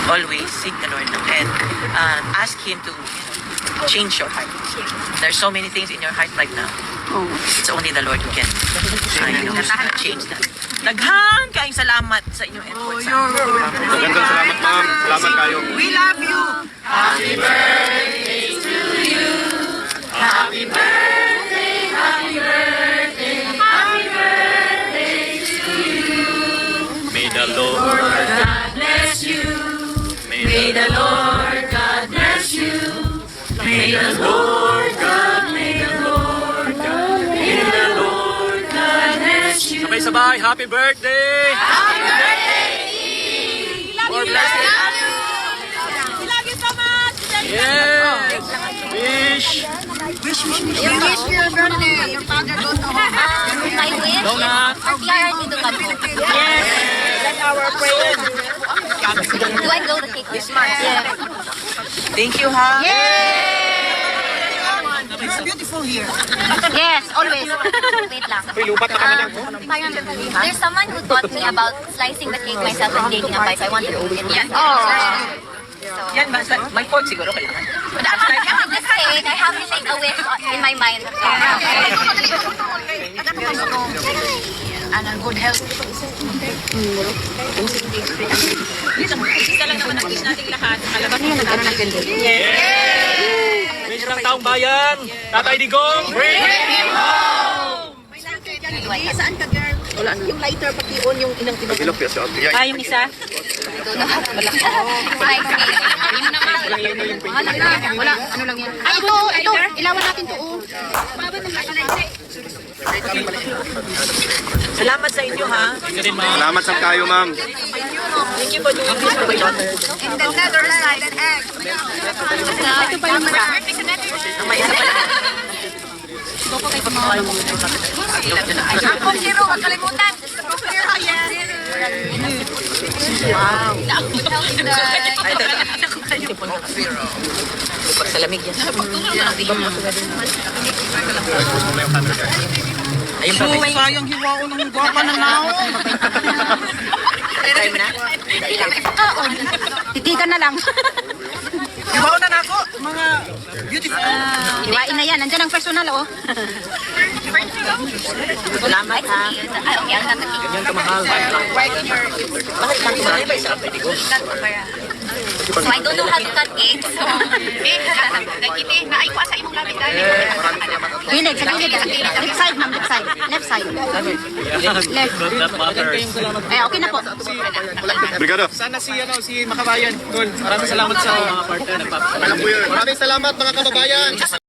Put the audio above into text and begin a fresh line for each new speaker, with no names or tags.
always seek the Lord and ask Him to change your heart. There's so many things in your heart right now. It's only the Lord who can change that. Daghang kaayong salamat sa inyong efforts.
Magandang salamat, ma'am. Salamat kayo.
We love you.
Happy birthday to you. Happy birthday, happy birthday, happy birthday to you.
May the Lord
God bless you. May the Lord God bless you. May the Lord God, may the Lord God, may the Lord God bless you.
Sabay-sabay, happy birthday!
Happy birthday!
More blessings!
We love you so much.
Yeah! Wish!
You wish your birthday. Your father goes to home.
My wish
Donut.
is for PRRT to come home.
Yes, that's our prayer.
Do I blow the cake this month? Yeah.
Thank you, ha?
You're beautiful here.
Yes, always. Wait lang.
lupat na kami lang.
Parang, there's someone who taught me about slicing the cake myself and taking a bite. So I want to do it.
Yan, may point siguro kailangan.
But after this cake, I have to make a wish in my mind.
And a good health.
Isa lang naman ang wish nating lahat. Kalabas
Ano nagkaroon ng ganda?
Wish ng taong bayan! Tatay Digong! Bring him home!
Saan ka, girl? Wala na. Yung lighter, pati on yung inang tinatawag.
yung isa?
Wala, ano lang yan. Ay, ito, ilawan natin to.
Salamat sa inyo, ha?
Salamat sa kayo, ma'am.
Thank you for doing this for my daughter.
In the Netherlands, an egg.
Ito pa yung
May isa pala.
Ako, zero, huwag kalimutan. Zero, yes.
Wow. Ay, pag sa lamig yan. Ayun pa, may
Sayang hiwao ng guwapa ng naon.
time na.
Titigan na lang. Hiwao na ako, mga beautiful. Hiwain na yan, nandyan ang personal, oh.
Salamat, ha?
Okay, I'll have the cake.
Ganyan kamahal.
Bakit lang kumain ba isa? Pwede ko.
So I don't know how to cut cake. So,
Gilid, sa gilid. Left side, ma'am, left side. Left side. Left.
That matters.
Eh, okay na po.
Brigado.
Sana si Makabayan. Tol, maraming salamat sa mga partner nagpapasalamat.
Maraming salamat mga kababayan.